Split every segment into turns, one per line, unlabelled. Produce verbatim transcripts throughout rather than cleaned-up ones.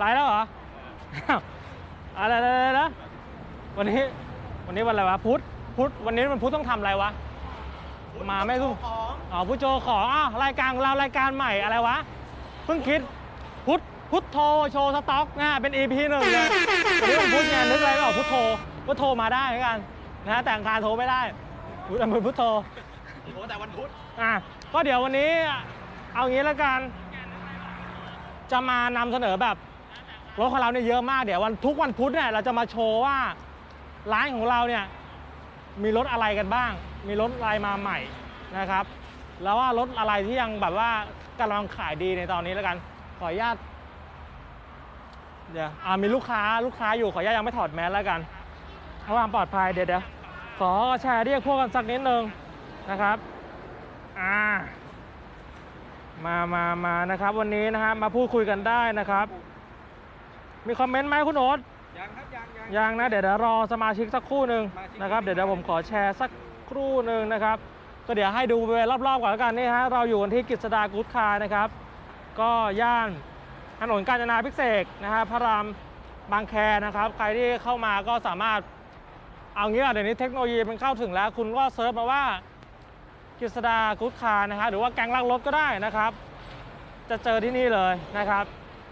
ไลฟ์แล้วเหรออะไรนะวันนี้วันนี้วันอะไรวะพุธพุธวันนี้มันพุธต้องทำอะไรวะมาไม่รู้อ๋อพุธโจของอ๋อรายการของเรารายการใหม่อะไรวะเพิ่งคิดพุธพุธโทโชว์สต็อกนะเป็น อี พี หนึ่งเลยวันนี้วันพุธไงนึกอะไรไม่ออกพุธโทพุธโทมาได้เหมือนกันนะแต่อังคารโทรไม่ได้พุธอันพุธโทโทรแต่วันพุธอ่ะก็เดี๋ยววันนี้เอางี้แล้วกันจะมานำเสนอแบบรถของเราเนี่ยเยอะมากเดี๋ยววันทุกวันพุธเนี่ยเราจะมาโชว์ว่าร้านของเราเนี่ยมีรถอะไรกันบ้างมีรถอะไรมาใหม่นะครับแล้วว่ารถอะไรที่ยังแบบว่ากำลังขายดีในตอนนี้แล้วกันขออนุญาตเดี๋ยวอ่ามีลูกค้าลูกค้าอยู่ขออนุญาตยังไม่ถอดแมสแล้วกันเพราะความปลอดภัยเดี๋ยวเดี๋ยวขอแชร์เรียกพวกกันสักนิดนึงนะครับอ่ามามามานะครับวันนี้นะครับมาพูดคุยกันได้นะครับมีคอมเมนต์ไหมคุณโอ๊ตยังครับยังยังยังนะเดี๋ยวเดี๋ยวรอสมาชิกสักครู่หนึ่งนะครับเดี๋ยวเดี๋ยวผมขอแชร์สักครู่หนึ่งนะครับก็เดี๋ยวให้ดูไปรอบๆก่อนแล้วกันนี่ฮะเราอยู่กันที่กฤษดากู๊ดคาร์นะครับก็ย่านถนนกาญจนาภิเษกนะครับพระรามบางแคนะครับใครที่เข้ามาก็สามารถเอางี้เดี๋ยวนี้เทคโนโลยีมันเข้าถึงแล้วคุณก็เซิร์ชมาว่ากฤษดากู๊ดคาร์นะครับหรือว่าแก๊งลักรถก็ได้นะครับจะเจอที่นี่เลยนะครับ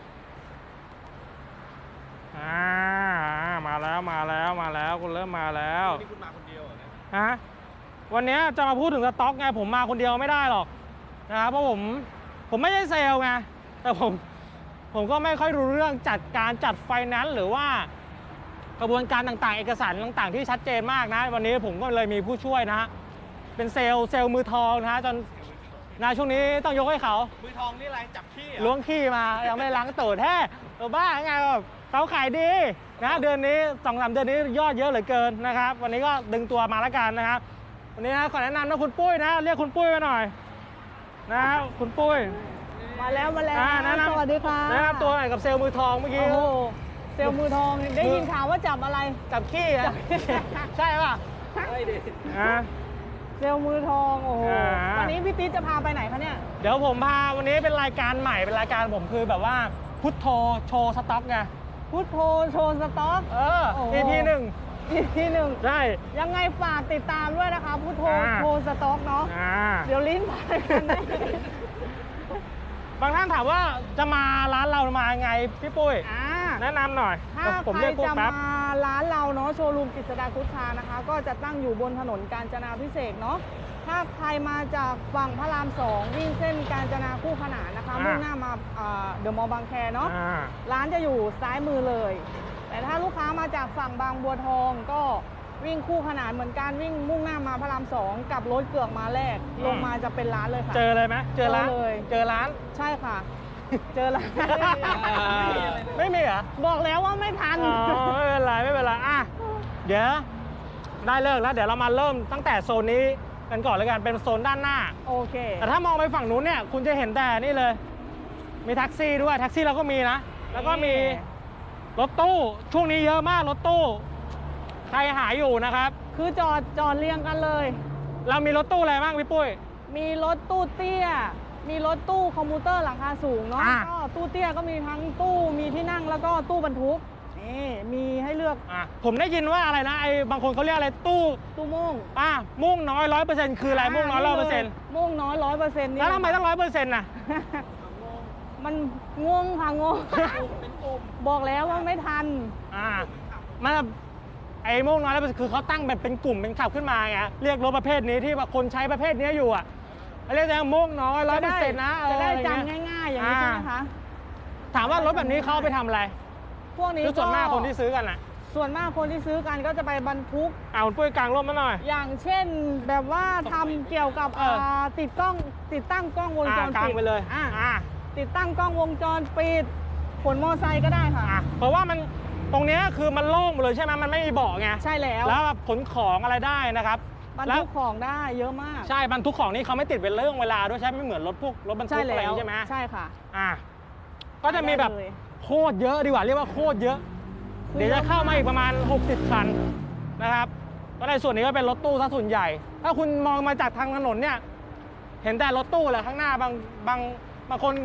อ่ามาแล้วมาแล้วมาแล้วคุณเริ่มมาแล้ววันนี้คุณมาคนเดียวเหรอฮะวันนี้จะมาพูดถึงสต็อกไงผมมาคนเดียวไม่ได้หรอกนะครับเพราะผมผมไม่ใช่เซลล์ไงแต่ผมผมก็ไม่ค่อยรู้เรื่องจัดการจัดไฟแนนซ์หรือว่ากระบวนการต่างๆเอกสารต่างๆที่ชัดเจนมากนะวันนี้ผมก็เลยมีผู้ช่วยนะฮะเป็นเซลล์เซลล์มือทองนะฮะจนนะช่วงนี้ต้องยกให้เขามือทองนี่อะไรจับขี้ล้วงขี้มายังไม่ล้างตูดแท้ตัวบ้าไงแบบเขาขายดีนะเดือนนี้สองสามเดือนนี้ยอดเยอะเหลือเกินนะครับวันนี้ก็ดึงตัวมาแล้วกันนะครับวันนี้นะขอแนะนำนะคุณปุ้ยนะเรียกคุณปุ้ยมาหน่อยนะคุณปุ้ย
มาแล้วมาแล้วสวัสดีค่ะ
แนะนำตัวหน่อยกับเซลล์มือทองเมื่อกี้
โอ้เซลล์มือทองได้ยินข่าวว่าจับอะไร
จับขี้นะใช่ป่ะ
ใช่ดิเซลล์มือทองโอ้โหวันนี้พี่ติ๊ดจะพาไปไหนคะเนี่ย
เดี๋ยวผมพาวันนี้เป็นรายการใหม่เป็นรายการผมคือแบบว่าพุทโธโชว์สต็อกไง
พุทโธโชว์สต็อก
เออ อี พี หนึ่ง
อี พี หนึ่ง
ใช่
ยังไงฝากติดตามด้วยนะคะพุทโธโชว์สต็อกเนาะเดี๋ยวลิ้นพันกันได้
บางท่านถามว่าจะมาร้านเรามาไงพี่ปุ้ยแนะนำหน่อย
ถ้าใครจะมาร้านเราเนาะโชว์รูมกฤษดากู๊ดคาร์นะคะก็จะตั้งอยู่บนถนนกาญจนาภิเษกเนาะถ้าใครมาจากฝั่งพระรามสองวิ่งเส้นกาญจนาคู่ขนานนะคะมุ่งหน้ามาเดอะมอลล์บางแคเนาะร้านจะอยู่ซ้ายมือเลยแต่ถ้าลูกค้ามาจากฝั่งบางบัวทองก็วิ่งคู่ขนานเหมือนกันวิ่งมุ่งหน้ามาพระรามสองกับรถเกือกมาแรกลงมาจะเป็นร้านเลยค่ะ
เจอเลยไหมเจอร้าน
เลย
เจอร้าน
ใช่ค่ะเจอร้าน
ไม่มีเหรอ
บอกแล้วว่าไม่ทัน
ไม่เป็นไรไม่เป็นไรอ่ะเดี๋ยวได้เลิกแล้วเดี๋ยวเรามาเริ่มตั้งแต่โซนนี้กันก่อนเลยกันเป็นโซนด้านหน้า
โอเค
แต่ถ้ามองไปฝั่งนู้นเนี่ยคุณจะเห็นแต่นี่เลยมีแท็กซี่ด้วยแท็กซี่เราก็มีนะแล้วก็มีรถตู้ช่วงนี้เยอะมากรถตู้ใครหาอยู่นะครับ
คือจอดจอดเรียงกันเลย
เรามีรถตู้อะไรบ้างพี่ปุ้ย
มีรถตู้เตี้ยมีรถตู้คอมพิวเตอร์หลังคาสูงเนาะก็ตู้เตี้ยก็มีทั้งตู้มีที่นั่งแล้วก็ตู้บรรทุกนี่มีให้เลือก
อ่ะผมได้ยินว่าอะไรนะไอ้บางคนเขาเรียกอะไรตู้
ตู้ม่วง
อ่ะม่วงน้อยร้อยเปอร์เซ็นต์คืออะไรม่วงน้อยร้อยเปอร์เซ็นต์
ม่วงน้อยร้อยเปอร์เซ็นต์นี่
แล้วทำไมต้องร้อยเปอร์เซ็นต์น่ะ
มันงงค่ะงงบอกแล้วว่าไม่ทัน
อ่ามันไอ้ม่วงน้อยร้อยเปอร์เซ็นต์คือเขาตั้งแบบเป็นกลุ่มเป็นขับขึ้นมาไงเรียกรถประเภทนี้ที่คนใช้ประเภทนี้อยู่อ่ะเรียกว่าม่วงน้อยร้อยเปอร์เซ็นต์นะ
จะได้จำง่ายๆอย่างนี้ใช่ไหมคะ
ถามว่ารถแบบนี้เขาไปทำอะไร
พวกนี้
ส่วนมากคนที่ซื้อกันอ่ะ
ส่วนมากคนที่ซื้อกันก็จะไปบรรทุก
เอาปุ้ยกลางร่มมาหน่อย
อย่างเช่นแบบว่าทำเกี่ยวกับติดกล้องติดตั้งกล้องวงจรปิด
ไปเลย
อ่าติดตั้งกล้องวงจรปิดขนมอไซค์ก็ได้ค่ะ
เพราะว่ามันตรงนี้คือมันโล่งเลยใช่ไหมมันไม่มีเบาะไง
ใช่แล้ว
แล้วขนของอะไรได้นะครับ
บรรทุกของได้เยอะมาก
ใช่บรรทุกของนี่เขาไม่ติดเป็นเรื่องเวลาด้วยใช่ไม่เหมือนรถพวกรถบรรทุกอะไรใช่ไหม
ใช่ค่ะ
อ่าก็จะมีแบบโคตรเยอะดีกว่าเรียกว่าโคตรเยอะเดี๋ยวจะเข้ามาอีกประมาณหกสิบคันนะครับก็ในส่วนนี้ก็เป็นรถตู้ซะส่วนใหญ่ถ้าคุณมองมาจากทางถนนเนี่ยเห็นแต่รถตู้แหละข้างหน้าบางบางบางคน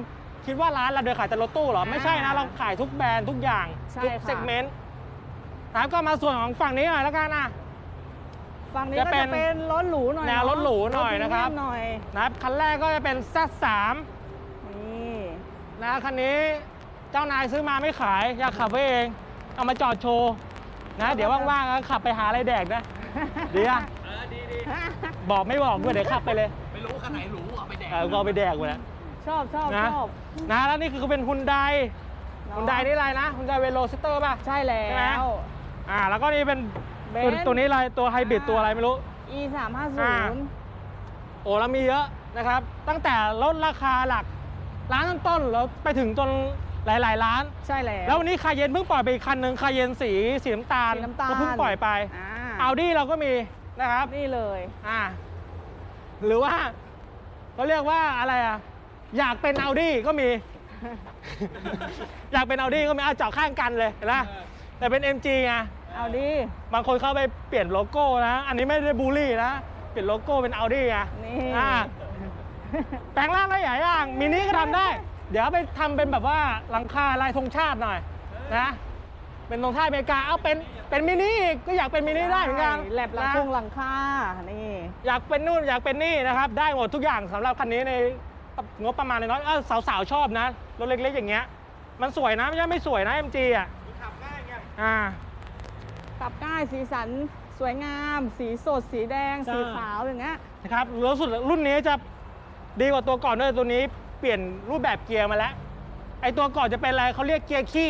คิดว่าร้านเราเดินขายแต่รถตู้เหรอ ไม่ใช่นะ เราขายทุกแบรนด์ทุกอย่าง
ใช่
ทุก
ค่ะ
เซกเมนต์นะครับก็มาส่วนของฝั่งนี้หน่อยแล้วกันนะ
ฝั่งนี้
จะ
ก็
เป็น
จะเป็นรถหรูหน่อย
แนวรถหรูหน่อยนะครับ
ถพมเมีมหน่อย
นะครับคันแรกก็จะเป็น แซด สาม
นี่
นะคันนี้เจ้านายซื้อมาไม่ขาย อยากขับไว้เอง เอามาจอดโชว์นะเดี๋ยวว่างๆก็ขับไปหาอะไรแดกนะดีอะ
เออดีดี
บอกไม่บอกด้วยเดี๋ยวขับไปเลย
ไม่รู้คันไหนหรูเอาไปแดก
เออก็เอาไปแดกไปแล้ว
ชอบชอบ
นะ
ชอบ
นะแล้วนี่คือเป็นฮุนได
เนอะ
ฮุนไดนี่อะไรนะฮุนไดเวโรซิเตอร์ป่ะ
ใช่แล้
ใช่ไหม
ว
อ่าแล้วก็นี่เป็น
เบ
ตัวน
ซ์
ตัวนี้อะไรตัวไฮบริด
อ่า
ตัวอะไรไม่รู้
อี สามห้าศู
อ่า
นย์
โอ้แล้วมีเยอะนะครับ ตั้งแต่ลดราคาหลักร้านต้นๆแล้วไปถึงจนหลายๆร้าน
ใช่แล้ว
แล้ววันนี้คาเยนเพิ่งปล่อยไปอีกคันหนึ่งคาเยนสีสีน้ำตาล
สีน้ำตาล
ก็เพิ่งปล่อยไป
อ่า
เอาดี้เราก็มีนะครับ
นี่เลย
อ่าหรือว่าเขาเรียกว่าอะไรอ่ะอยากเป็นเอาดี้ก็มี อยากเป็นเอาดี้ก็มีเอาเจาะข้างกันเลยเห็นไหมแต่เป็น เอ็ม จี ไง
เอาดี
บางคนเข้าไปเปลี่ยนโลโก้นะ อันนี้ไม่ได้บูลลี่นะ เปลี่ยนโลโก้เป็นเอาดี้ไง
นี่
อ่าแปลงร่างได้หลายอย่างมินิก็ทำได้ เดี๋ยวไปทำเป็นแบบว่าหลังคาลายธงชาติหน่อยนะเป็นธงชาติอเมริกาเอาเป็นเป็นมินิอีกก็อยากเป็นมินิได้เหมือนกัน
แหลบหลัง
นะ
คงหลังคานี่
อยากเป็นนู่นอยากเป็นนี่นะครับ ได้หมดทุกอย่างสำหรับคันนี้ในงบประมาณน้อยๆเออสาวๆชอบนะรถเล็กๆอย่างเงี้ยมันสวยนะไม่ใช่ไม่สวยนะ เอ็ม จี อ่ะ
ขับง่ายไง
อ่า
ขับง่ายสีสันสวยงาม สีสดสีแดง
ใช่
สีขาวอย่างเงี้ย
นะครับรู้สึกรุ่นนี้จะดีกว่าตัวก่อนด้วยตัวนี้เปลี่ยนรูปแบบเกียร์มาแล้วไอตัวก่อนจะเป็นอะไรเขาเรียกเกียร์ขี้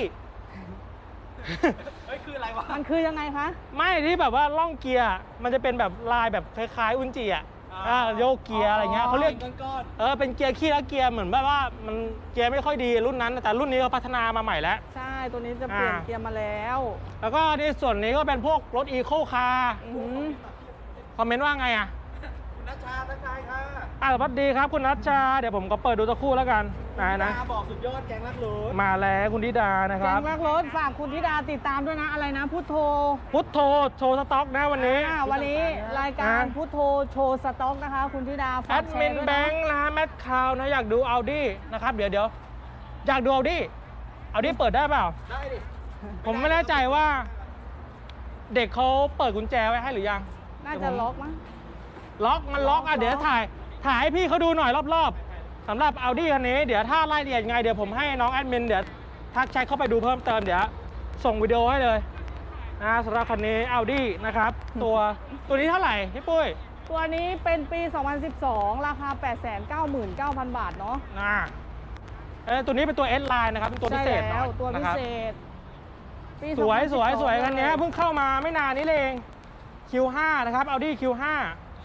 เฮ้ยคืออะไรวะ
มันคือยังไงคะ
ไม่ที่แบบว่าล่องเกียร์มันจะเป็นแบบลายแบบคล้ายๆอุนจิอ่ะ
อ่า
อ่าโยกเกียร์อะไรเงี้ยเขาเรียก
ก้อน
เออเป็นเกียร์ขี้แล้วเกียร์เหมือนแบบว่ามันเกียร์ไม่ค่อยดีรุ่นนั้น แต่รุ่นนี้เขาพัฒนามาใหม่แล้ว
ใช่ ตัวนี้จะเปลี่ยน
อ่า
เกียร์มาแล้ว
แล้วก็ในส่วนนี้ก็เป็นพวกรถอีโคคาร์
อื้อหือ
คอมเมนต์ว่าไงอ่ะ
ๆคุณนัชชาทักทายค่ะ
อ่าสวัสดีครับคุณนัชชาเดี๋ยวผมก็เปิดดูสักครู่แล้วกันนะนะ
ดาบอกสุดยอดแกงรักรถ
มาแล้วคุณธิดานะค
แก
รับ
งรักรถฝากคุณธิดาติดตามด้วยนะอะไรนะพุทโธ
พุทโธโชว์สต็อกนะวันนี้
อ่าวันนี้รายการ
นะ
พุทโธโชว์สต็อกนะคะ คุณธิดา
แอ
ฝาก
ด
แช
มิ
ร์
น
ด้วย
แบ
นะ
งค์นะแมทคาวนะอยากดูเอาดี้นะครับเดี๋ยวเดี๋ยวอยากดูเอาดี้เอาดี้เปิดได้เปล่า
ได้ดิ
ผมไม่แน่ใจว่า เด็กเขาเปิดกุญแจไว้ให้หรือยัง
น่าจะล็อกมั้ง
ล็อกมันล็อกอ่ะ
ล็อก
เดี๋ยวถ่ายถ่ายให้พี่เขาดูหน่อยรอบๆสำหรับเอาดี้คันนี้เดี๋ยวถ้ารายละเอียดยังไงเดี๋ยวผมให้น้องแอดมินเดี๋ยวทักแชทเข้าไปดูเพิ่มเติมเดี๋ยวส่งวิดีโอให้เลยนะสำหรับคันนี้เอาดี้นะครับ ตัวตัวนี้เท่าไหร่พี่ปุ้ย
ตัวนี้เป็นปี สองพันสิบสอง ราคา แปดแสนเก้าหมื่นเก้าพัน บาทเนาะ
นะเออตัวนี้เป็นตัว S line นะครับเป็นตัวพิเศษห
ใช่
น่
แล้
อ
วย ตัว
นะ
พิ
ครับ
เศษปี
สวยสวยสวย
สองพั
คันนี้เพิ่งเข้ามาไม่นานนี้เอง คิว ห้า นะครับ Audi คิว ห้า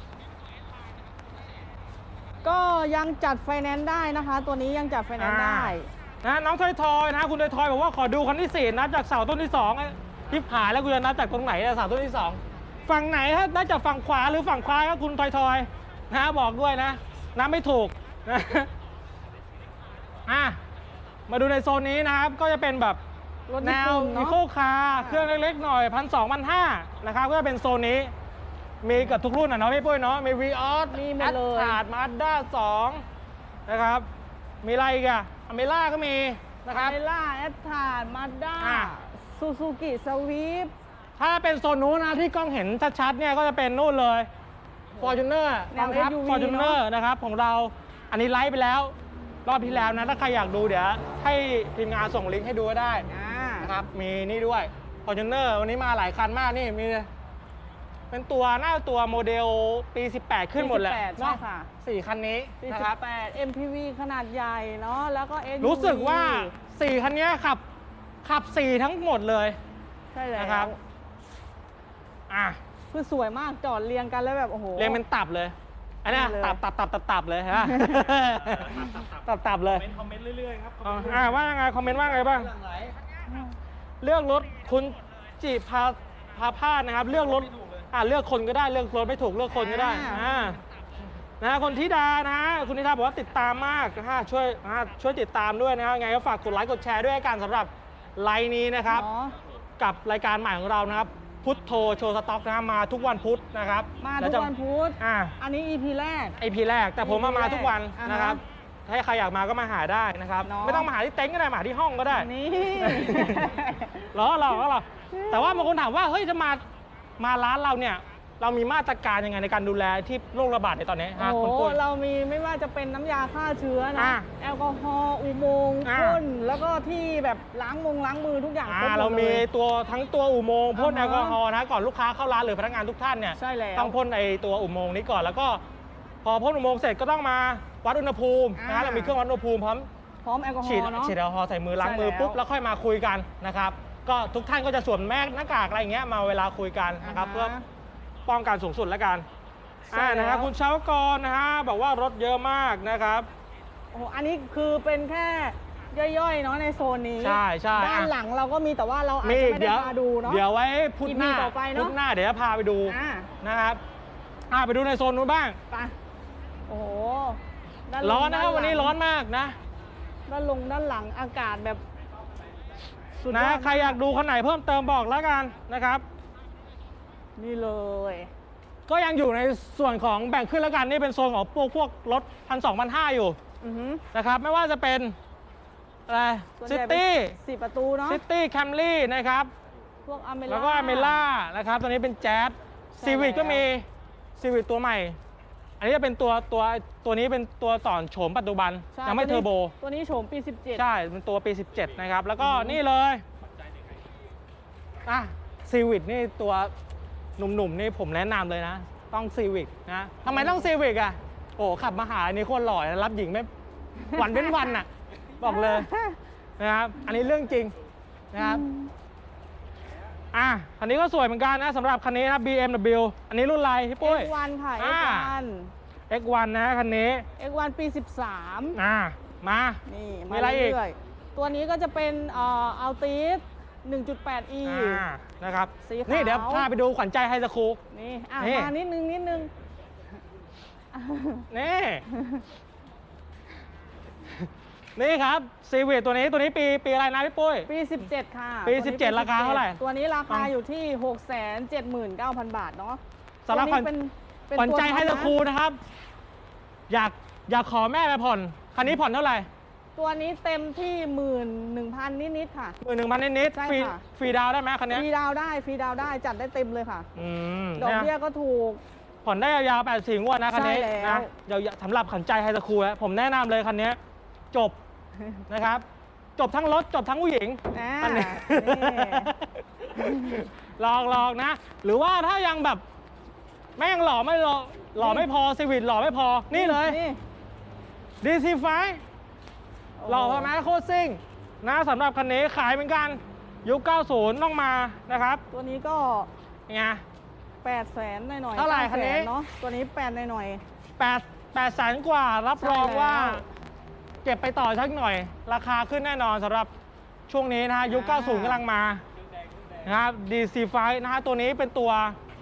ก็ยังจัดไฟแนนซ์ได้นะคะ ตัวนี้ยังจัดไฟแนนซ์ได้
นะน้องทอยทอยนะคุณทอยทอยบอกว่าขอดูคันที่สี่นับจากเสาต้นที่สองทิพหายแล้วกูจะนับจากตรงไหนอะเสาต้นที่สองฝั่งไหนถ้านับจากฝั่งขวาหรือฝั่งซ้ายก็คุณทอยทอยนะบอกด้วยนะนับไม่ถูกนะอ่ะมาดูในโซนนี้นะครับก็จะเป็นแบบ
รถ
แน
ญี่
ว
ปุ่น
อี
เนาะ
โคคาร์เครื่องเล็กๆหน่อยพันสองพันห้านะครับก็จะเป็นโซนนี้ มีเกับทุกรุ่นนะเนาะพี่ปุ้ยเนาะมีวีออส
มีหม
แอ
ด
ด
เลย
ขาดมาด้าสองนะครับ มีอะไรอีกอะอเมล่าก็มีนะครับ
เมล่าแอดทาร์มาด้า
อ่ะ
ซูซูกิสวีป
ถ้าเป็นโซนนู้นนะที่กล้องเห็นชัดๆเนี่ยก็จะเป็นนู่นเลย Fortuner
แน
กอ
ว
งทัพ
เอส ยู วี
Fortuner
เนอะ
นะครับของเราอันนี้ไลฟ์ไปแล้ว รอบที่แล้วนะถ้าใครอยากดูเดี๋ยวให้ทีมงานส่งลิงก์ให้ดูก็ได้
อ่า
นะครับมีนี่ด้วย Fortuner วันนี้มาหลายคันมากนี่มีเป็นตัวหน้าตัวโมเดลปี สิบแปด ขึ้นหมดแหละ
ปีสิบแปด
เนาะ
ใช่ค่ะ
สี่คันนี้
ปี
นะ
สิ
ครับ
บแปด เอ็ม พี วี ขนาดใหญ่เนาะแล้วก็ เอส ยู วี
รู้สึกว่า สี่ คันนี้ขับขับ สี่ ทั้งหมดเลย
ใช่แล้ว
นะครับ อ่ะ
คือสวยมากจอดเรียงกันแล้วแบบโอ้โห
เรียงเป็นตับเลย อันเนี้ย
นี่เลย
ตับตับตับตับตับเลยฮะ ตับตับเลย
เป็นคอมเมนต์เรื่อยๆครับ
อ๋ออ่าว่าไงคอมเมนต์ว่าไงบ้าง
หลังไหล
เลือกรถคุณจิพาพาพาดนะครับ เลือกรถอ่าเลือกคนก็ได้เลือกรถไม่ถูกเลือกคนก็ได้อ่านะคนธิดานะคุณธิดาบอกว่าติดตามมากนะฮะช่วยอ่าช่วยติดตามด้วยนะครับไงก็ฝากกดไลค์กดแชร์ด้วยกันสำหรับไลน์นี้นะครับ
เนาะ
กับรายการใหม่ของเรานะครับ พุทโธโชว์สต็อกนะครับมาทุกวันพุธนะครับ
มา
แล้
ทุ
จะ
กวันพุธ
อ่า
อันนี้ อี พี แรก
ไอพีแรกแต่ผมมามาทุกวัน
อ่าฮะ
นะครับถ้าใครอยากมาก็มาหาได้นะครับ
เนาะ
ไม่ต้องมาหาที่เต็นท์ก็ได้มาหาที่ห้องก็ได้
นี่
เหรอเหรอเหรอแต่ว่าบางคนถามว่าเฮ้ยจะมามาร้านเราเนี่ยเรามีมาตรการยังไงในการดูแลที่โรคระบาดในตอนนี้
โอ้
ฮะ
โห
คุณปุ้ย
เรามีไม่ว่าจะเป็นน้ำยาฆ่าเชื้อนะ
อ่ะ
แอลกอฮอล์อุโมงค์
อ่ะ
พ่นแล้วก็ที่แบบล้างมงล้างมือทุกอย่าง
อ่า
ครบหมด
เรามี
ลย
ตัวทั้งตัวอุโมงค์พ่น
อ่า
แอ
ฮะ
ลกอฮอล์นะก่อนลูกค้าเข้าร้านหรือพนักงานทุกท่านเนี่ย
ใช่แล้ว
ต้องพ่นไอตัวอุโมงค์นี้ก่อนแล้วก็ พอพ่นอุโมงค์เสร็จก็ต้องมาวัดอุณหภูมินะ
อ่า
ฮะเรามีเครื่องวัดอุณหภูมิพร้อม
พร้อมแอลกอฮอ
ฉีด
ล์เนาะ
ฉีดแอลกอฮอล์ใส่มือล้างมือ
ใช่แล้ว
ปุ๊บแล้วค่อยมาคุยกันนะครับก็ทุกท่านก็จะสวมแมสหน้ากากอะไรอย่างเงี้ยมาเวลาคุยกันนะครับ
อ่าฮะ
เพื่อป้องกันสูงสุดแล้วกัน
ใช่
อ่านะ
แล้
ฮะ
ว
คุณชาวกรนะฮะบอกว่ารถเยอะมากนะครับ
โอ้โหอันนี้คือเป็นแค่ย่อยๆเนาะในโซนนี้
ใช่ใช่
ด้าน
อ่ะ
หลังเราก็มีแต่ว่าเราอาจ
มี
จะไม่
เดี๋
ได้
ยว
พาดูเนาะ
เดี๋ยวไว้พุธหน้า
อี พีต่อไปเนอะ
พุธหน้าเดี๋ยวจะพาไปดู
อ่า
นะครับอ่าไปดูในโซนนู้นบ้าง
ไปโอ้โหด้าลง
ร้อนนะครับ
ด้าหลัง
วันนี้ร้อนมากนะ
ด้านลงด้านหลังอากาศแบบสุดย
นะ
อด
ใครอยากดูคันไหนเพิ่มเติมบอกแล้วกันนะครับ
นี่เลย
ก็ยังอยู่ในส่วนของแบ่งขึ้นแล้วกันนี่เป็นโซนของพวกพวกรถพันสองพันห้าอยู่
อือหือ
นะครับไม่ว่าจะเป็นอะไร
ส่วน
ซิ
ใหญ่เป็น
ตี้
สี่ประตูเนาะ
ซิตี้แคมรี่นะครับ
พวกอเมล่า
แล้วก็อเมล่านะครับตัวนี้เป็นแจ๊ส
ใช่
ซีวิ
แล้ว
ก็มีซีวิตัวใหม่ อันนี้จะเป็นตัวตัวตัวนี้เป็นตัวต่อนโฉมปัจจุบัน
ใช่
ยังไม่
ตัวนี้
เทอร์โบ
ตัวนี้โฉมปีสิบเจ็ด
ใช่เป็นตัวปี สิบเจ็ด นะครับ แล้วก็
อือหือ
นี่เลยอ่ะซีวิ c นี่ตัวหนุ่มๆ นี่ผมแนะนำเลยนะ ต้องซีวิ c นะทำไมต้องซีวิ c อ่ะ โอ้ขับมาหาอันนี้โคตรหล่อนะรับหญิงไม่วันเป็นวันอ่ะ บอกเลยนะครับ อันนี้เรื่องจริงนะครับ อ่ะคันนี้ก็สวยเหมือนกันนะสำหรับคันนี้นะ บี เอ็ม ดับเบิลยู อันนี้รุ่นอะไรพี่ปุ้ย
เอ็กซ์วัน ค่ะ
อ่า
เอ็กซ์วัน
เอ็กซ์วัน นะคันนี้
เอ็กซ์วันปีสิบสาม
อ่ะมา
นี่
มี
มา
อะไรอีก
เรื่อยๆตัวนี้ก็จะเป็นเอ่ออัลติส หนึ่งจุดแปด อี
อ่านะครับ
สีขาว
นี่เดี๋ยวพาไปดูขวัญใจไฮสคูล
นี่อ่ะ
นี่
มานิดนึงนิดนึง
นี่ นี่ครับซีวิ c ตัวนี้ตัวนี้ปีปีอะไรนะพี่ปุ้ย
ปี สิบเจ็ด ค่ะ
ปี
ตัวนี้
สิบเจ็ดราคาเท่าไหร่
ตัวนี้ราคา
อ่ะ
อยู่ที่ หกแสนเจ็ดหมื่นเก้าพัน บาทเนาะ
สำหรับ
ตัวนี้เป็นเป็น
ขวัญใจ
ตัว
ไฮส
ท็อปนะ
คูลนะครับ อยากอยากขอแม่ไปผ่อน คันนี้ผ่อนเท่าไหร่
ตัวนี้เต็มที่หมื่นหนึ่งพันนิดๆค่ะ
หมื่นหนึ่งพันนิด
ใช่
ๆฟรี
ค่ะ
ฟรีดาวน์ได้ไหมคัน
ฟ
นี้
รีดาวน์ได้ฟรีดาวน์ได้จัดได้เต็มเลยค่ะ
อืม
ดอก
เนี่ย
เบี้ยก็ถูก
ผ่อนได้ยาวๆแปดสี่งวดนะคันนี้
ใช่แล้ว
นะเดี๋ยวสำหรับขันใจไฮสคูลผมแนะนำเลยคันนี้จบ นะครับ จบทั้งรถจบทั้งผู้หญิง
อ่า
อันนี้
นี่
ลองลองนะ หรือว่าถ้ายังแบบแม่งหล่อไม่หล่อหล่อไม่พอซีวิ c หล่อไม่พอนี่เลย ดี ซี ไฟ หล่อพอไหมโคตรซิ่งนะสำหรับคันนี้ขายเหมือนกันยุคเก้าสิบต้องมานะครับ
ตัวนี้ก็
ไง
แปดแสนหน่อยๆ
เท่าไหร่
ก้
คันนี้
แสเนาะตัวนี้แปดหน่อย
แปดแปดแสนกว่ารับรอง
ใช่แล้ว
ว่า เก็บไปต่อสักหน่อย ราคาขึ้นแน่นอนสำหรับช่วงนี้นะฮะยุค เก้าสิบ กำลังมานะครับ ดี ซี ไฟ นะฮะตัวนี้เป็นตัว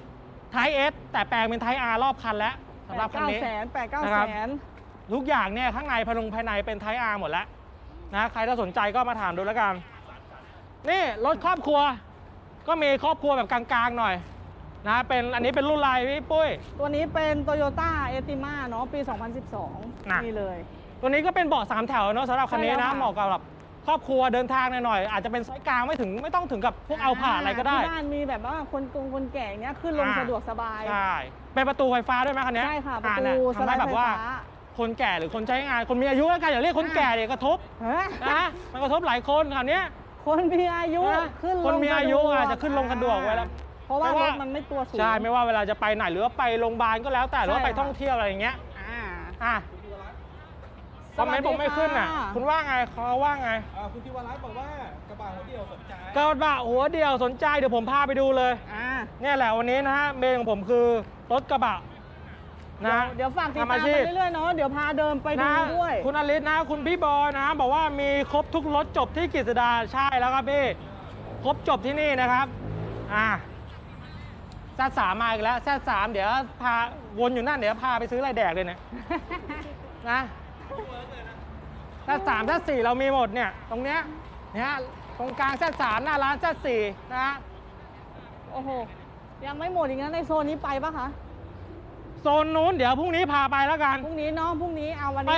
Type S แต่แปลงเป็น Type R รอบคันแล้ว
ๆ
สำหรับคันนี้
แสนแปดเก้า
นะค
แส
รับ
น
ทุกอย่างเนี่ยข้างในภายในภายในเป็น Type R หมดแล้วนะใครถ้าสนใจก็มาถามดูแล้วกัน นี่รถครอบครัว ก็มีครอบครัวแบบกลางๆหน่อยนะเป็นอันนี้เป็นรุ่นอะไรพี่ปุ้ย
ตัวนี้เป็น Toyota a t i m a เนาะปี สองพันสิบสอง
น่ะ
นี่เลย
ตัวนี้ก็เป็นเบาะสามแถวเนาะสำหรับคันนี้
ใช่แล้
นะ
วค่ะ
เหมาะกับแบบครอบครัวเดินทางหน่อยๆอาจจะเป็นไซส์กลางไม่ถึงไม่ต้องถึงกับพวกเอาผ่านอะไรก็ได้
ที่บ้านมีแบบว่าคนกงคนแก่อย่างเงี้ยขึ้นลง
อ่า
สะดวกสบาย
ใช่เป็นประตูไฟฟ้าด้วยไหมคันนี้
ใช่ค่ะ ประ
อ่า
ตู
เนี่ย
ส
ทำ
ไล
ให้
ด์
แบ
ไฟ
บว่า
ฟ้า
คนแก่หรือคนใช้งานคนมีอายุแล้วกันอย่าเรียกคนแก่เดี๋ยวกระทบ
เฮ้ย
นะมันกระทบหลายคนคราวเนี้ย
คนมีอายุ
นะ
ขึ้นลง
คนมีอายุ
สะดวก
อาจจะขึ้นลงสะดวกไว้แล้ว
เพราะว่า
ไม่
ร
ว่า
ถมันไม่ตัวสูง
ใช่ไม่ว่าเวลาจะไปไหนหรือว่าไปโรงพยาบาลก็แล้วแต่หรือว่า
ใช่
ไป
ค่ะ
ท่องเที่ยวอะไรอย่างเงี้ย
อ่า
อ่ะคอมเมนต์ผมไม่ขึ้นอ่ะ คุณว่าไงเขาว่าไง
อ่าคุณทิวารัตน์บอกว่ากระบะหัวเดียวสนใจ
กระบะหัวเดียวสนใจเดี๋ยวผมพาไปดูเลย
อ่า
เนี่ยแหละวันนี้นะฮะเมนของผมคือรถกระบะนะ
เดี๋ยวฝากติด
ทำ
ตา
อาม ชี
ไป
พ
เรื่อยๆเนาะเดี๋ยวพาเดินไปดู
นะ
ด้วย
คุณอลิศนะ คุณพี่บอยนะ บอกว่ามีครบทุกรถจบที่กฤษดาใช่แล้วครับพี่ครบจบที่นี่นะครับอ่าแซดสามมาอีกแล้วแซดสามเดี๋ยวพาวนอยู่นั่นเดี๋ยวพาไปซื้ออะไรแดกเลยเนี่ยนะแซดสามแซดสี่เรามีหมดเนี่ยตรงเนี้ยเนี่ยตรงกลางแซดสามหน้าร้านแซดสี่นะ
โอ้โหยังไม่หมดอีกนะในโซนนี้ไปปะคะ
โซนนู้นเดี๋ยวพรุ่งนี้พาไปแล้วกัน
พรุ่งนี้เนาะพรุ่งนี้เอาวัน
ไป
นี้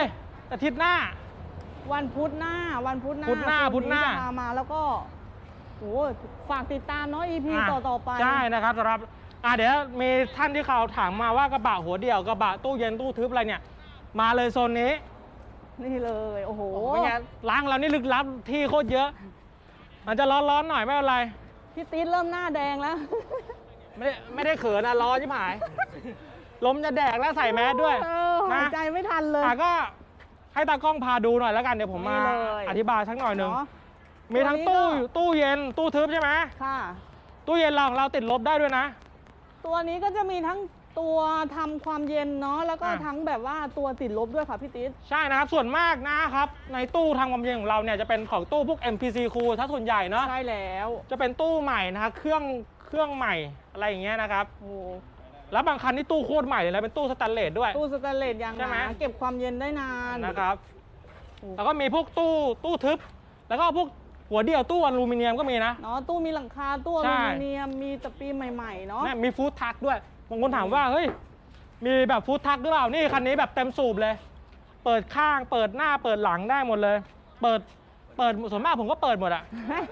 อาทิตย์หน้า
วันพุธหน้าวันพุธหน้า
พุธหน้า
โซ
พุธหน้า
จะพามาแล้วก็โอ้ฝากติดตามเนาะ อี พี
อ่ะ
ต่อต่อไป
ใช่นะครับสำหรับอ่ะเดี๋ยวมีท่านที่เขาถามมาว่ากระบะหัวเดี่ยวกระบะตู้เย็นตู้ทึบอะไรเนี่ย มาเลยโซนนี้
นี่เลยโอ้โห
เป็นไงล้างเรานี่ลึกลับที่โคตรเยอะ มันจะร้อนๆหน่อยไม่เป็นไร
พี่ติ๊ดเริ่มหน้าแดงแล้ว
ไม่ได้ไม่ได้เขินนะร้อนชิบหาย ลมจะแดกแล้วใส่แมสด้วย
เออหายใจไม่ทันเลย
อ่ะก็ให้ตากล้องพาดูหน่อยแล้วกันเดี๋ยวผมมา
นี่เลย
อธิบายสักหน่อยหนึ่ง
เนาะ
มีทั้ง
ตัว
ตู้
นี้ก็
ตู้เย็นตู้ทึบใช่ไหม
ค่ะ
ตู้เย็นเราของเราติดลบได้ด้วยนะ
ตัวนี้ก็จะมีทั้งตัวทำความเย็นเนาะแล้วก็
อ่ะ
ทั้งแบบว่าตัวติดลบด้วยค่ะพี่ติ๊ด
ใช่นะครับส่วนมากนะครับในตู้ทำความเย็นของเราเนี่ยจะเป็นของตู้พวก เอ็ม พี ซี Cool ถ้าส่วนใหญ่เนาะ
ใช่แล้ว
จะเป็นตู้ใหม่นะครับเครื่องเครื่องใหม่อะไรอย่างเงี้ยนะครับ
โอ้
แล้วบางคันนี่ตู้โคตรใหม่เลยนะเป็นตู้สแตนเลสด้วย
ตู้สแตนเลสยาง
ใช่ไหม
หนาเก็บความเย็นได้นาน
นะครับ
โอ้
แล้วก็มีพวกตู้ตู้ทึบ แล้วก็พวกหัวเดี่ยวตู้อลูมิเนียมก็มีนะ
เนาะตู้มีหลังคาตู้อ
ใช่
ลูมิเนียมมีตะปีใหม่ๆเนาะ
เนี่ยมีฟู้ดทักด้วยบางคนถามว่าเฮ้ยมีแบบฟู้ดทักหรือเปล่านี่คันนี้แบบเต็มสูบเลย เปิดข้างเปิดหน้าเปิดหลังได้หมดเลย เปิดเปิดส่วนมากผมก็เปิดหมดอะ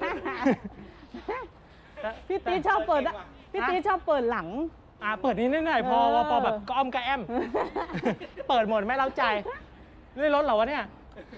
พี่ติ๊ดชอบเปิดอะพี่ติ๊ดชอบเปิดหลัง
อ่าเปิดนิดหน่อยพอ
เออ
พอแบบก็อ้อมกระแอม เปิดหมดไม่เล้าใจนี่รถเหรอวะเนี่ย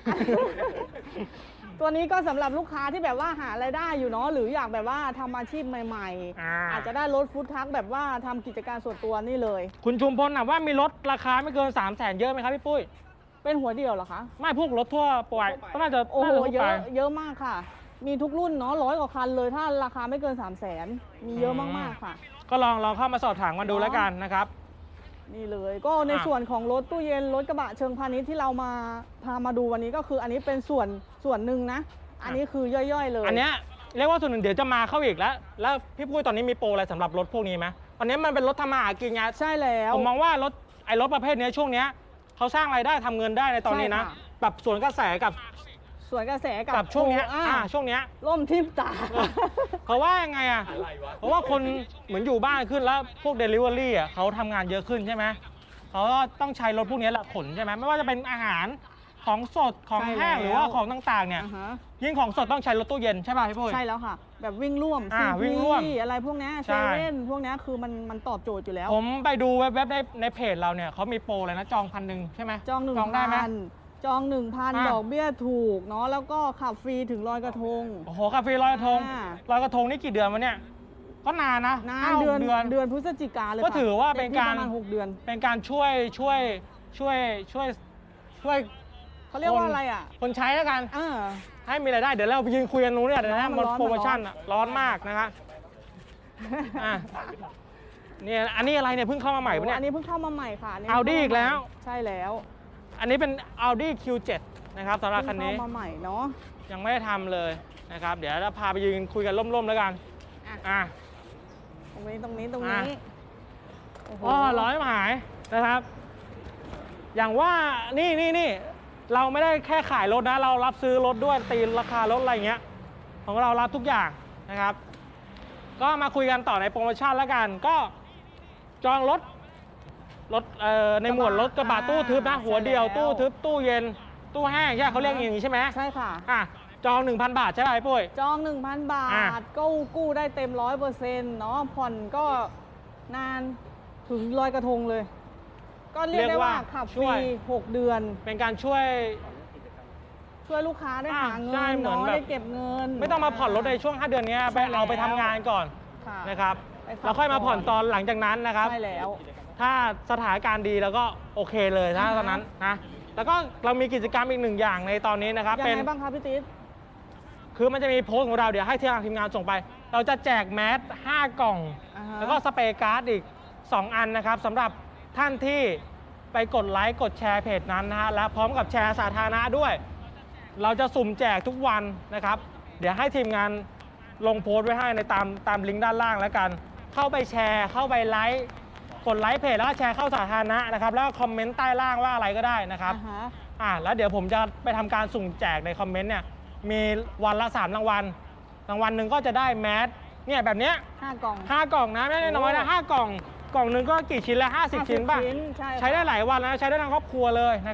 ตัวนี้ก็สำหรับลูกค้าที่แบบว่าหารายได้อยู่เนาะหรืออยากแบบว่าทำอาชีพใหม่
อ่า
ๆ อาจจะได้รถฟู้ดทรัคแบบว่าทำกิจการส่วนตัวนี่เลย
คุณชุมพลถามว่ามีรถราคาไม่เกิน3 0 0แสนเยอะไหมครับพี่ปุ้ย
เป็นหัวเดียวเหรอคะ
ไม่พวกรถทั่วไปก็น่าจะ
โอ้โห
น่าจะทั่ว
เย
ไป
อะเยอะมากค่ะ มีทุกรุ่นเนาะร้อยกว่าคันเลยถ้าราคาไม่เกิน 3 0 0แสนมีเยอะมากๆค่ะ
ก็ลองลองเข้ามาสอบถามกันดูแล้วกันนะครับ
นี่เลยก็ใน
อ่ะ
ส่วนของรถตู้เย็นรถกระบะเชิงพาณิชย์ที่เรามาพามาดูวันนี้ก็คืออันนี้เป็นส่วนส่วนหนึ่งนะ อันนี้คือย่อยๆเลย
อันเนี้ยเรียกว่าส่วนหนึ่งเดี๋ยวจะมาเข้าอีกแล้ว แล้วพี่ปุ้ยตอนนี้มีโปรอะไรสำหรับรถพวกนี้ไหมตอนนี้มันเป็นรถทำมาหากินไง
ใช่แล้ว
ผมมองว่ารถไอ้รถประเภทเนี้ยช่วงเนี้ยเขาสร้างรายได้ทำเงินได้ในตอนนี้นะ
ใช่ค่ะ
แบบสวนกระแสกับ
ส่วนกระแสกับ
กับช่วงเนี้ย
อ่า
อ่าช่วงเนี้ย
ล่มทิมตา
เพราะว่ายังไงอ่ะ เพราะว่าคนเหมือนอยู่บ้านขึ้นแล้วพวก Delivery อ่ะเขาทำงานเยอะขึ้นใช่ไหมเขาก็ต้องใช้รถพวกนี้แหละขนใช่ไหมไม่ว่าจะเป็นอาหารของสดของ
ใช่
แห้ง
แล้ว
หรือว่าของต่างๆเนี่ย
อ่าฮะ
ยิ่งของสดต้องใช้รถตู้เย็นใช่ป่ะพี่ปุ้ย
ใช่แล้วค่ะ แบบวิ่งร่วม
อ่า
ซี
วิ่
พี
งร่วม
อะไรพวกเนี้ย
ใช่
เซเว่นพวกเนี้ยคือมันมันตอบโจทย์อยู่แล้ว
ผมไปดูเว็บๆในในเพจเราเนี่ยเขามีโปรเลยนะจองพันหนึ่งใช่ไหม
จองหนึ่ง
จองได้ไหม
พันจองหนึ่งพัน
อ่า
ดอกเบี้ยถูกเนาะแล้วก็ขับฟรีถึงลอยกระทง
โอ้โหคาเฟ่ลอยกระทง
อ่า
ลอยกระทงนี่กี่เดือนวะเนี่ยก็นานนะ
นาน
ห้าหก
เดือน
เดือน
เดือนพฤศจิกาเลย
ก็
ค่ะ
ถือว่าเป็นการ
ต็มที่ประมาณหกเดือน
เป็นการช่วยช่วยช่วยช่วยช่วย
เขาเรียกว่าอะไรอ่ะ
คนใช้แล้วกัน
เออ
ให้มีรายได้เดี๋ยวเราไปยืนคุยกันนู้นเนี่ยเดี๋ยวนะ
มั
มัน
นร้อน
โปรโมชั่น
มันร้อน
อะร้อนมากนะครับอ่ะเนี่ยอันนี้อะไรเนี่ยเพิ่งเข้ามาใหม่ปะเนี่ย
อันนี้เพิ่งเข้ามาใหม่ค่ะนนี้
Audi อีกแล้ว
ใช่แล้ว
อันนี้เป็น Audi คิว เซเว่น นะครับสำหรับคันนี้
เพิ่งเข้ามาใหม่เนาะ
ยังไม่ได้ทำเลยนะครับ เดี๋ยวเราพาไปยืนคุยกันร่มๆแล้วกัน
อ่ะ
อ่ะ
ตรงนี้ตรงนี้ตรง
อ่ะ
นี้โอ้โห
อ๋อร้อยหายนะครับ อย่างว่านี่นี่นี่เราไม่ได้แค่ขายรถนะ เรารับซื้อรถด้วยตีราคารถอะไรเงี้ยของเรารับทุกอย่างนะครับ ก็มาคุยกันต่อในโปรโมชั่นแล้วกัน ก็จองรถรถเอ่อในหมวดรถกระบะตู้ทึบนะหัวเดียวตู้ทึบตู้เย็นตู้แห้งใช่เขาเรียกอย่างนี้ใช่ไหม
ใช่ค่ะ
อ่ะจอง หนึ่งพัน บาทใช่ไหมไอ้ปุ้ย
จอง หนึ่งพัน บา
อ่ะ
ทกู้กู้ได้เต็มร้อยเปอร์เซ็นต์เนาะผ่อนก็นานถึงลอยกระทงเลย ก็เรียกได้ว่าขับฟ
ช่
รี
วย
หกเดือน
เป็นการช่วย
ช่วยลูกค้าได้
อ่ะ
หาเงิ
ใช่
น
เหมือน
เนาะ
แบบ
ได้เก็บเงิน
ไม่ต้องมาผ่อนรถในช่วงห้าเดือนนี้ไป
ใช่แล้ว
เอาไปทำงานก่อน
ค่ะ
นะครับ
ไปพัก
แล้วค่อยมาผ่อน
ก่อน
ตอนหลังจากนั้นนะครับ
ใช่แล้ว
ถ้าสถานการณ์ดีแล้วก็โอเคเลยนะ
อ่าฮะ
ตอนนั้นนะแล้วก็เรามีกิจกรรมอีกหนึ่งอย่างในตอนนี้นะครับ
ยัง
เป็น
ไงบ้างคะพี่ติ๊ด
คือมันจะมีโพสต์ของเราเดี๋ยวให้ทางทีมงานส่งไป เราจะแจกแมสห้ากล่อง
อ่าฮะ
แล้วก็สเปรย์การ์ดอีกสองอันนะครับสำหรับท่านที่ไปกดไลค์กดแชร์เพจนั้นนะฮะและพร้อมกับแชร์สาธารณะด้วย เราจะสุ่มแจกทุกวันนะครับ เดี๋ยวให้ทีมงานลงโพสต์ไว้ให้ในตามตามลิงก์ด้านล่างแล้วกัน เข้าไปแชร์เข้าไปไลค์กดไลค์เพจแล้วก็แชร์เข้าสาธารณะนะครับแล้วก็คอมเมนต์ใต้ล่างว่าอะไรก็ได้นะครับ
อ่าฮะ
อ่าแล้วเดี๋ยวผมจะไปทำการสุ่มแจกในคอมเมนต์เนี่ยมีวันละสามรางวัลรางวัลหนึ่งก็จะได้แมสเนี่ยแบบเนี้ย
ห้ากล่อง
ห้ากล่องนะไม่ได้น้อยนะห้ากล่องกล่องหนึ่งก็กี่ชิ้นละห้าสิบชิ้นป่ะ
ใช่
ใช้ได้หลายวันแล้วใช้ได้ทั้งครอบครัวเลยนะครับ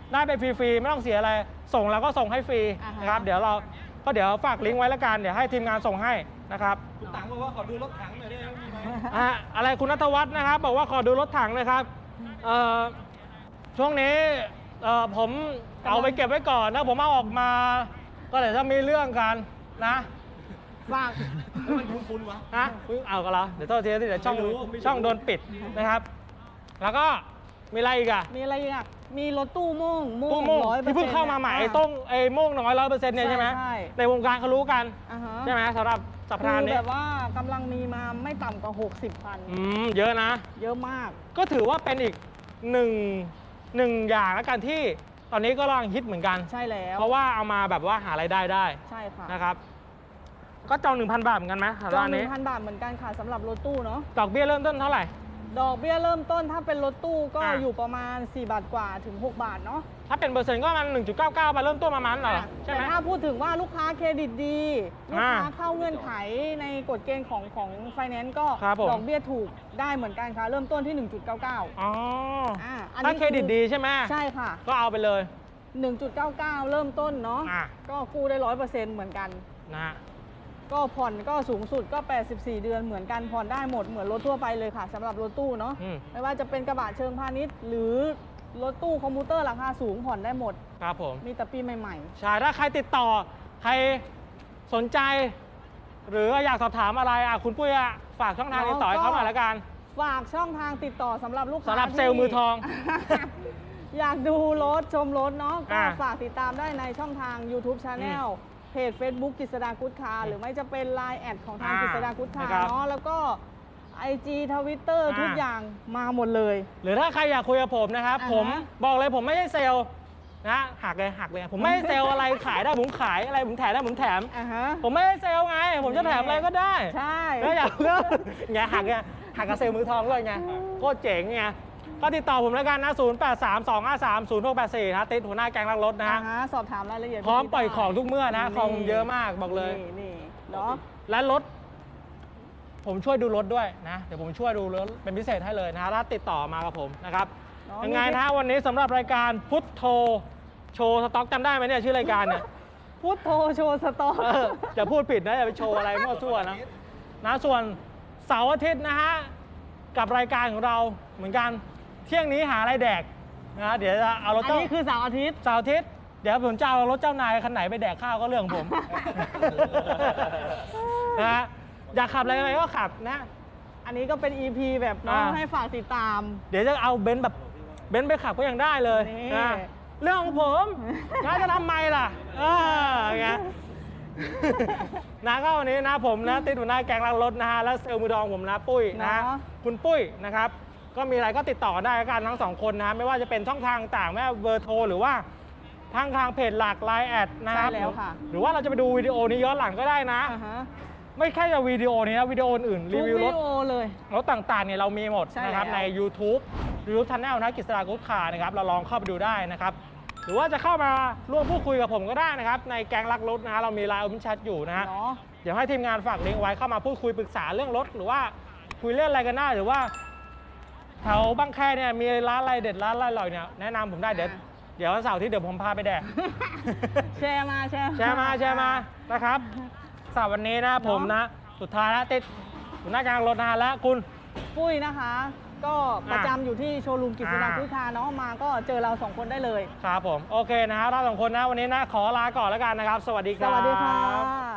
ได้ไปฟรีๆไม่ต้องเสียอะไรส่งเราก็ส่งให้ฟรี
อ่าฮะ
นะครับเดี๋ยวเราก็เดี๋ยวฝากลิงก์ไว้แล้วกันเดี๋ยวให้ทีมงานส่งให้นะครับ
คุณตังบอกว่าขอดูรถถังหน่อยได้ไหมมีไหม
อ่ะอะไรคุณณัฐวัฒน์นะครับบอกว่าขอดูรถถังเลยครับเอ่อช่วงนี้เอ่อผมเอาไปเก็บไว้ก่อนนะผมเอาออกมา ก็เดี๋ยวจะมีเรื่องกันนะ
ฝาก
มันคุ้นๆวะ
นะอุ๊ยเอากันละเดี๋ยวโทษทีเดี๋ยวช่อง
ไม่รู้ไม่รู้
ช่องโดนปิดนะครับ แล้วก็มีอะไรอีกอะ
มีอะไรอีกอ่ะมีรถตู้โม่งโม่
ตู้
ง
โม่ง
ร้อยเปอร์
ที่
เซ็นต์
เพิ่งเข้ามาใหม่ไอ้ต้งไอ้โม่งน้อยร้อยเปอร์เซ็นต์เนี่ยใช่ไหม
ใช่
ในวงการเขารู้กัน
อ่าฮะ
ใช่ไหมสำหรับสัป
คื
ดาห์
อ
นี้
แบบว่ากำลังมีมาไม่ต่ำกว่าหกสิบคัน
อืมเยอะนะ
เยอะมาก
ก็ถือว่าเป็นอีกหนึ่งหนึ่งอย่างแล้วกันที่ตอนนี้ก็กำลังฮิตเหมือนกัน
ใช่แล้ว
เพราะว่าเอามาแบบว่าหารายได้ได้
ใช่ค่ะ
นะครับ ก็จองหนึ่งพันบาทเหมือนกันไหมสำห
จ
รับ
อง
อัน
หนึ่
นี้
งพันบาทเหมือนกันค่ะสำหรับรถตู้เนาะ
ดอกเบี้ยเริ่มต้นเท่าไหร่
ดอกเบี้ยเริ่มต้นถ้าเป็นรถตู้ก็
อ่ะ
อยู่ประมาณสี่บาทกว่าถึงหกบาทเนาะ
ถ้าเป็นเปอร์เซ็นต์ก็ประมาณหนึ่งจุดเก้าเก้าไปเริ่มต้นประมาณนั้นเหรอใช่ไหม
แต่ถ้าพูดถึงว่าลูกค้าเครดิตดี ลูก
อ่า
ค้าเข้าเงื่อนไขในกฎเกณฑ์ของของไฟแนนซ์ก็
ครับผม
ดอกเบี้ยถูกได้เหมือนกันค่ะ เริ่มต้นที่ หนึ่งจุดเก้าเก้า
อ๋อ
อ่าอัน
ถ้า
นี้
เครดิตดีใช่ไหม
ใช่ค่ะ
ก็เอาไปเลย
หนึ่งจุดเก้าเก้า เริ่มต้นเนาะ
อ่ะ
ก็กู้ได้ร้อยเปอร์เซ็นต์เหมือนกัน
นะฮะ
ก็ผ่อนก็สูงสุดก็แปดสิบสี่เดือนเหมือนกันผ่อนได้หมดเหมือนรถทั่วไปเลยค่ะสำหรับรถตู้เนาะ
อืม
ไม่ว่าจะเป็นกระบะเชิงพาณิชย์ หรือรถตู้คอมพิวเตอร์ราคาสูงผ่อนได้หมด
ครับผม
มีแต่ปีใหม่
ใช่ถ้าใครติดต่อใครสนใจ หรืออยากสอบถามอะไรอ่ะคุณปุ้ยอ่ะฝากช่องทางติดต่อให้เขาหน่อยละกัน
ๆ ฝากช่องทางติดต่อสำหรับลูกค้า
สำหรับ
ที่
เซลล์มือทอง
อยากดูรถชมรถเนาะก็
อ่า
ฝากติดตามได้ในช่องทาง YouTube Channel เพจ Facebook กฤษดากุ๊ดคาร์หรือไม่จะเป็น ไลน์ แอดของทาง
อ่าก
ฤษดากุ๊ดคาร์
นะครับ
เนาะแล้วก็ ไอ จี Twitter
อ่า
ทุกอย่างมาหมดเลย
หรือถ้าใครอยากคุยกับผมนะครับ
อ่าฮะ
ผมบอกเลยผมไม่ใช่เซลล์นะหักเลยหักเลยผมไม่ใช่เซลล์อะไรขายได้ผมขายอะไรผมแถมได้ผมแถม
อ่าฮะ
ผมไม่ใช่เซลล์ไง ผมจะแถมอะไรก็ได้
ใช่
แล้วอยากเลือกไงหักไงหักกับเซลล์มือทองด้วยไงโคตรเจ๋งไงก็ติดต่อผมแล้วกันนะศูนย์ แปด สาม สอง ห้า สาม ศูนย์ หก แปด สี่นะติดหัวหน้าแก๊งลักรถนะ
อ่า
ฮะ
ฮะสอบถามรายละเอียด
พร้อมปล่อย
ได้
ของทุกเมื่อนะของผมเยอะมากบอกเลย
นี่นี่เนาะ
และรถ ผมช่วยดูรถด้วยนะ เดี๋ยวผมช่วยดูรถเป็นพิเศษให้เลยนะถ้าติดต่อมากับผมนะครับ
เนาะ
ยังไง
มี
นะวันนี้สำหรับรายการพุทโธโชว์สต็อกจำได้ไหมเนี่ยชื่อรายการเนี่ย
พุทโธโชว์สตอ
เออจะพูดผิดนะอย่าไปโชว์อะไรมั่วซั่วนะนะส่วนเสาร์อาทิตย์นะฮะกับรายการของเราเหมือนกันเที่ยงนี้หาอะไรแดกนะเดี๋ยวจะเอารถ
อัน
เจ้า
นี้คือเสาร์อาทิตย์
เสาร์อาทิตย์เดี๋ยวผมจะเอารถเจ้านายคันไหนไปแดกข้าวก็เรื่องของผม นะฮะอยากขับอะไรไปก็ขับนะ
อันนี้ก็เป็น อี พี แบบเน้อง
อ่า
ให้ฝากติดตาม
เดี๋ยวจะเอาเบนซ์แบบเบนซ์ไปขับก็ยังได้เลย
นี่
นะเรื่องของผมน้าจะทำไมล่ะเออไง นะก็วันนี้นะผมนะติดหัวหน้าแก๊งรักรถนะฮะแล้วเซลล์มือดองผมนะปุ้ยนะ
เนาะ
คุณปุ้ยนะครับ ก็มีอะไรก็ติดต่อได้กันทั้งสองคนนะไม่ว่าจะเป็นช่องทางต่างไม่ว่าเบอร์โทรหรือว่าทางทางเพจหลักไลน์แอดนะครับ
ใช่แล้วค่ะ
หรือว่าเราจะไปดูวิดีโอนี้ย้อนหลังก็ได้นะ
อ่าฮะ
ไม่แค่จะวิดีโอนี้นะวิดีโออื่นๆ
ทุ
รี
ก
วิว
วิ
รถ
ดีโอเลย
รถต่างๆเนี่ยเรามีหมด
ใช่
นะครับ
แล้ว
ใน YouTube YouTube Channel นะกฤษดากุ๊ดคาร์นะครับเราลองเข้าไปดูได้นะครับ หรือว่าจะเข้ามาร่วมพูดคุยกับผมก็ได้นะครับ ในแก๊งรักรถนะฮะเรามีไลน์โอเพนแชทอยู่นะฮะ
เนาะ
เดี๋ยวให้ทีมงานฝากลิงก์ไว้เข้ามาพูดคุยปรึกษาเรื่องรถ หรือว่าคุยเรื่องอะไรกันได้หรือว่าแถวบางแคเนี่ยมีร้านอะไรเด็ดร้านอะไรอร่อยเนี่ยแนะนำผมได้เดี๋ยว
อ่า
เดี๋ยววันเสาร์ที่เดี๋ยวผมพาไปแดก
แชร์มาแชร์
แชร์มาแชร์มานะครับสำหรับวันนี้นะผมนะสุดท้ายแล้วติดหัวหน้าแก๊งรถนะฮะและคุณ
ปุ้ยนะคะ ก็ประจำอยู่ที่โชว์รูมกฤษดา
อ่า
กุ๊ดคาร์เนาะมาก็เจอเราสองคนได้เลย
ครับผมโอเคนะฮะเราสองคนนะวันนี้นะขอลาก่อนแล้วกันนะครับ สวัสดีค
ส
รับ
วัสดีค่ะ